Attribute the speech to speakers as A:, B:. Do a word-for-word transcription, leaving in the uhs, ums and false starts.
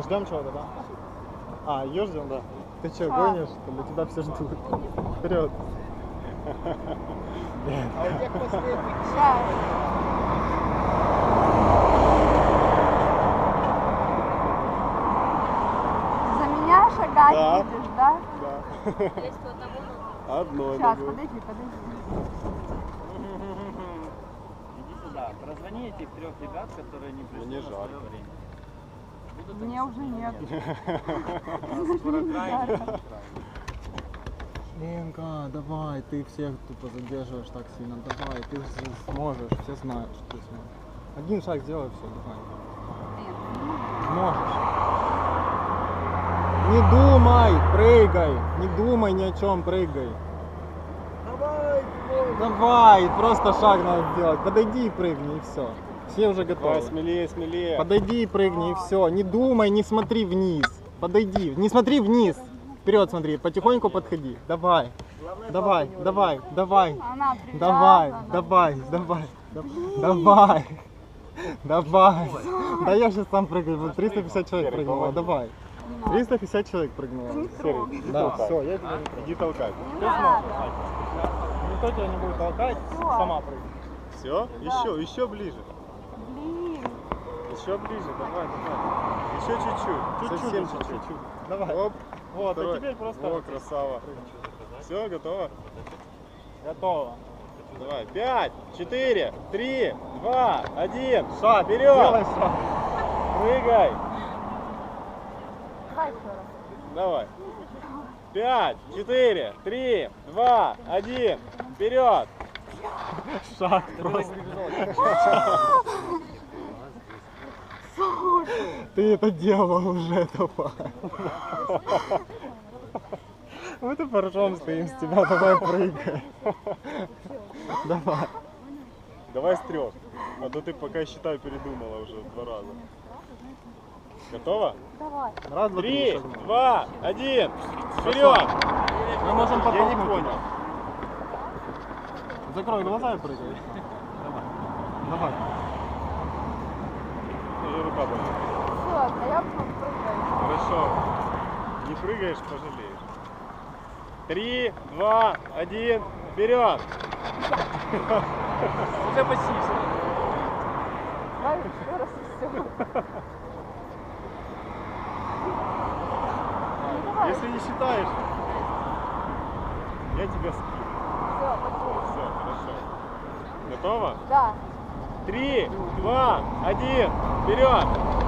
A: Ждем чего-то, да? А, ее ждем, да. Ты что, гонишь? Для тебя все ждут. Вперед.
B: А у тех последних.
C: Сейчас. За меня шагать
A: Да.
C: будешь, да?
A: Да. Одно.
C: Сейчас, подожди, подожди.
D: Иди сюда. Прозвони этих трех ребят, которые не пришли
A: Мне
D: на свое
A: жарко.
D: время.
C: Мне уже нет.
D: Скоро крайне.
A: Ленка, давай, ты всех тупо задерживаешь так сильно. Давай, ты же сможешь, все знают, что ты сможешь. Один шаг сделай, все, давай. Сможешь. Не думай, прыгай. Не думай ни о чем, прыгай.
B: Давай,
A: Давай, просто шаг надо сделать. Подойди и прыгни, и все. Все уже готовы.
E: Давай, смелее, смелее.
A: Подойди и прыгни, и все. Не думай, не смотри вниз. Подойди, не смотри вниз. Вперед смотри, потихоньку подходи. Давай, давай, давай, давай,
C: Она
A: давай,
C: привязана.
A: давай, давай, давай, давай. Да я сейчас сам прыгаю, вот триста пятьдесят человек прыгнуло, давай. триста пятьдесят человек прыгнуло.
E: Серый,
A: Да,
E: толкай.
A: все, я тебя не
E: Иди толкай.
C: Не надо.
A: Никто тебя не будет толкать, сама прыгай.
E: Все? Еще, еще ближе.
C: Блин.
E: Еще ближе, давай, давай. Еще чуть-чуть.
A: Чуть-чуть,
E: Совсем
A: чуть-чуть.
E: чуть-чуть.
A: Давай.
E: Оп.
A: Вот,
E: Второй.
A: а теперь просто...
E: О, красава. Все, готово?
A: Готово.
E: Давай. Пять, четыре, три, два, один.
A: Шаг,
E: Вперед.
A: делай шаг.
E: Прыгай.
C: Давай еще раз.
E: Давай. Пять, четыре, три, два, один. Вперед.
A: Шаг просто. Ты это делал уже, давай. Мы тут поржем стоим с тебя, давай прыгай. Давай.
E: Давай с трех. А то ты пока считай передумала уже два раза. Готово?
C: Давай.
A: Раз, два, три,
E: Три,
A: шагнул.
E: два, один. Вперед.
A: Мы можем
E: Я не
A: подтолкнуть
E: понял.
A: тебя. Закрой глаза и прыгай. Давай. Давай.
E: Уже рука болит.
C: Все, а я попрыгаю.
E: Хорошо. Не прыгаешь, пожалеешь. Три, два, один. Вперед.
D: Уже почти.
C: Давай еще раз и все.
E: Если не считаешь, я тебя скину.
C: Все, пошли.
E: Все, хорошо. Готово?
C: Да.
E: Три, два, один. Вперед.